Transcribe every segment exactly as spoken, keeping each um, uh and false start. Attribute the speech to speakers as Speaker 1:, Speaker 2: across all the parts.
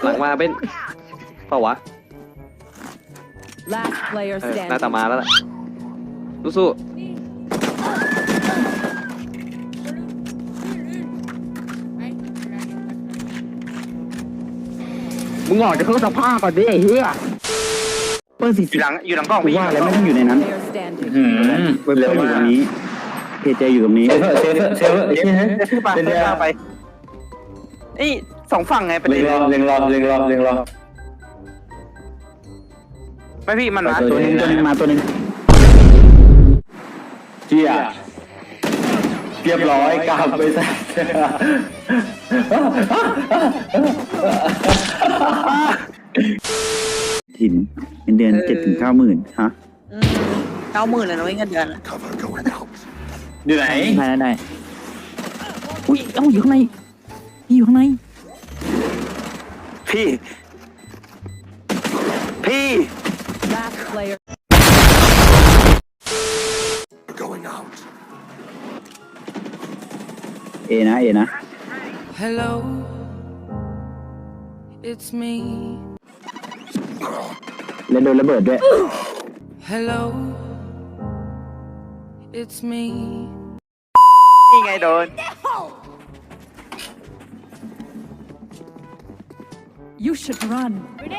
Speaker 1: หลังมาเป็นเปล่าวะ
Speaker 2: Last player
Speaker 1: เออ
Speaker 2: standing.
Speaker 1: หน้าตามาแล้วล่ะสู้ๆมึงออกจากเครื่องซักผ้าก่อนดิไอ้เหี้ยเปิดสิ
Speaker 3: อยู่หลังอยู่หลังกล้อง
Speaker 4: กูว่าแล้วไม่ต้องอยู่ในนั้น
Speaker 2: Player standing.
Speaker 4: เว็บเตอร์อยู่ตรงนี้เพจเจอยู่ตรงนี้
Speaker 5: เซฟเซฟเซฟไอ้เชี่ย
Speaker 3: เดี๋ยวขึ้นไป
Speaker 5: เดี๋ยว
Speaker 3: ขึ้นไปไอ้สองฝั่งไงประ
Speaker 5: เล็
Speaker 3: เด็
Speaker 5: ง
Speaker 3: น
Speaker 5: รอเล็งรอเล็งรอเล็งรอ
Speaker 3: ไม่พี่มันมา
Speaker 4: ตัวหนึงตัวหนึงมาตัวหนึง
Speaker 5: เชี่ยเรียบร้อยกลับไปซะ
Speaker 4: ถิ่นเงินเดือนเจ็ดถึงเก้าหมื่นฮะ
Speaker 6: เก้าหมื่นเลยนะเว้ยเงินเดือนอะ
Speaker 5: อยู่ไหน
Speaker 4: ได้ได้ได้อุ้ยเอ้าอยู่ข้างในนี่อยู่ข้างใน
Speaker 3: พี่ พี่
Speaker 2: Last player.
Speaker 4: เอนะเอนะ
Speaker 7: Hello, it's me.
Speaker 4: เล่นโดนระเบิดด้วย
Speaker 7: Hello, it's me.
Speaker 3: นี่ไงโดน
Speaker 2: You should run.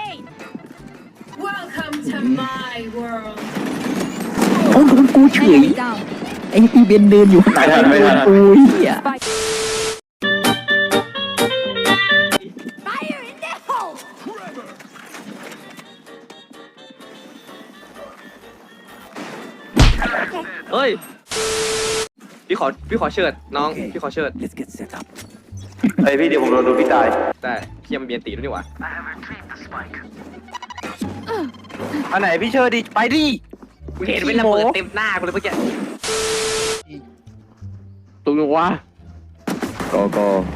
Speaker 8: Welcome to my world.
Speaker 4: โอ้โดนกูเฉย
Speaker 2: Enemy down.
Speaker 4: ไอ้ปีเบนเดินอยู่ข้างหลังโดนกูเหี้ย
Speaker 2: Spike.
Speaker 8: Fire in the hole.
Speaker 1: เฮ้ยพี่ขอพี่ขอเชิดน้องพี่ขอเชิด
Speaker 3: ไอพี่เดี๋ยวผมโดนดูพี่ตาย
Speaker 1: แต่พี่ยังมีเบียนตีด้วยนี่หว่า
Speaker 3: อันไหนพี่เชิญดิไปดิ
Speaker 1: กูเห็นเป็นระเบิดเต็มหน้ากูเลยเมื่อกี้ตรงนู้นวะ
Speaker 4: โกโก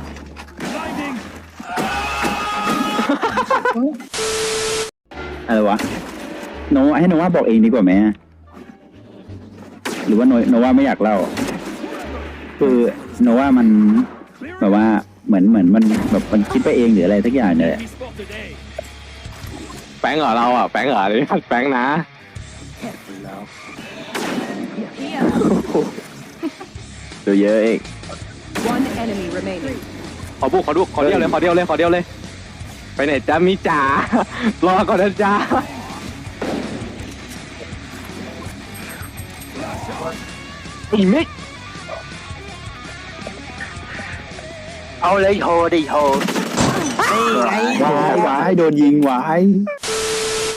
Speaker 4: อะไรวะโนให้โนว่าบอกเองดีกว่าไหมหรือว่าโนโนว่าไม่อยากเล่า คือโนว่ามันแบบว่าเหมือนเหมือนมันแบบมันคิดไปเองหรืออะไรทักอย่างเนี่ย
Speaker 1: แป้งเหรอเราอ่ะแป้งเหรอนี่แป้งนะ
Speaker 4: ดูเยอะเอง
Speaker 2: One enemy remaining.
Speaker 1: ขอบุกขอดูขอเดียวเลยขอเดียวเลยขอเดียวเลยไปไหนจ้ามิจ๋ารอก่อนนะจ้า อีมิก
Speaker 3: เอาเลยโฮดิโฮนี่ไง
Speaker 4: วายวายโดนยิงวาย